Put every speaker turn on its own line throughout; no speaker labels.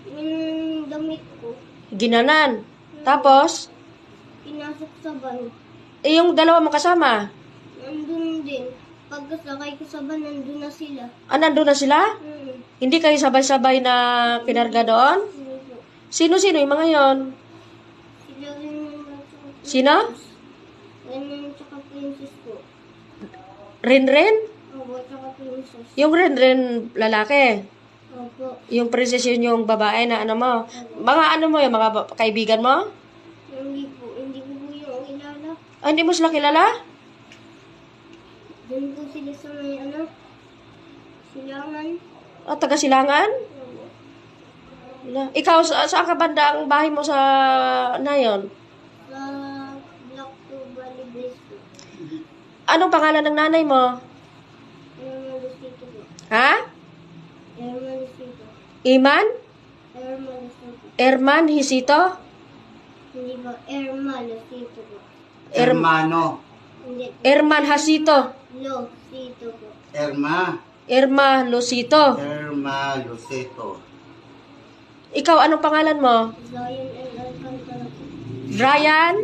Yung damit ko,
Ginanan. Tapos,
pinasok sa van.
yung dalawa mo kasama.
Nandun din. Pagkasakay ko sa van, nandun na sila.
Nandun na sila? Hindi kayo sabay-sabay na kinarga doon?
Ano po?
Sino-sino yung mga yon?
Sila rin yung tsaka
Sino?
Ren tsaka princess ko.
Rin-rin?
Opo, tsaka princess.
Yung rin-rin lalaki.
Opo.
Yung princess yun yung babae na ano mo. Mga ano mo yung mga kaibigan mo?
Hindi ko po yung kilala.
Hindi mo sila kilala?
Doon po sila sa may silangan.
Taga Silangan?
Opo.
Ikaw, saan ka banda ang bahay mo sa nayon?
Sa Black to Valley Blaze po.
Anong pangalan ng nanay mo?
Erma Lucito po.
Ha?
Erma Lucito.
Iman?
Erma Lucito.
Erman Hisito?
Hindi ba? Erma Lucito po.
Hermano.
Hindi.
Erman Hasito?
Lucito po.
Erma Lucito?
Herma Luceto.
Ikaw, anong pangalan mo?
Zion and Alcantara po.
Brian?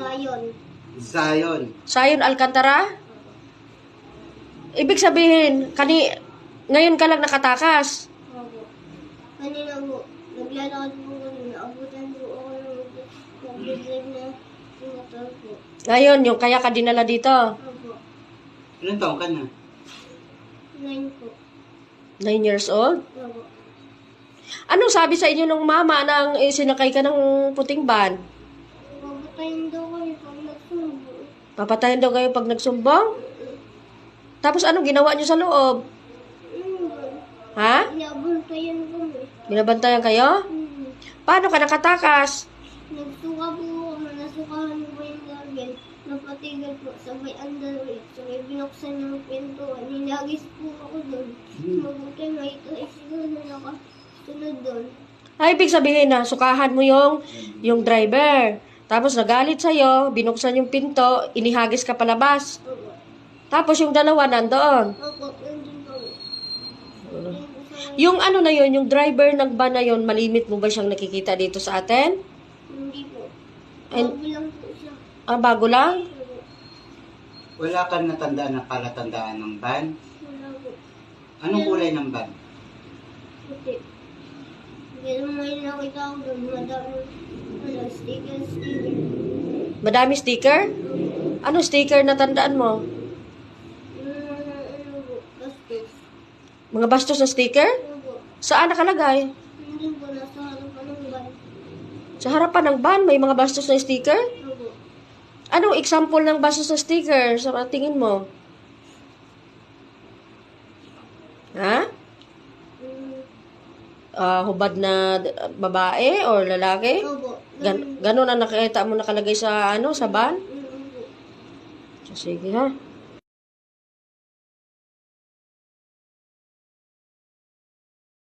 Zion.
Sayon Alcantara? Ibig sabihin, ngayon ka lang nakatakas.
Opo. Kanina po, naglalakad po kami. Naabutan po ako ng nag-drive na motor po.
Ngayon, yung kaya ka dinala dito.
Opo.
Ilan taong ka na?
9 po.
9 years old?
Opo.
Anong sabi sa inyo ng mama nang sinakay ka ng puting van?
Babatayin daw kami pag nagsubo.
Papatayin daw kayo pag nagsumbong? Tapos anong ginawa nyo sa loob? Ha?
Inabantayan kami.
Binabantayan kayo? Paano ka nakatakas?
Nagsuka po ako. Nasukahan ko yung gagawin. Napatigil po. Sabay underweight. Sabay binuksan yung pintuan. Ninagis po ako doon. Mabuti nga ito ay siguro na nakasunod doon.
Ibig sabihin na sukahan mo yung driver. Tapos nagalit sa'yo, binuksan yung pinto, inihagis ka palabas.
Opo.
Tapos yung dalawa nandoon.
Opo. Nandun kami.
Yung ano na yun, yung driver ng van na yun, malimit mo ba siyang nakikita dito sa atin?
Hindi po.
Ay-
Bago lang po siya.
Bago lang?
Opo.
Wala kang natandaan na palatandaan ng van?
Wala po.
Anong kulay ng van?
Puti. Hindi naman may nakita ko doon. Madami sticker.
Madami sticker? Ano sticker na tandaan mo?
Ano po, bastos.
Mga bastos na sticker?
Ano po,
Saan nakalagay?
hindi po, nasa harapan ng van.
Sa harapan ng van, may mga bastos na sticker?
Ano po,
Anong example ng bastos na sticker sa tingin mo? Ha? Hubad na babae or lalaki?
ano po,
Ganon ang nakita mo nakalagay sa sa van?
ano po.
Sige ha.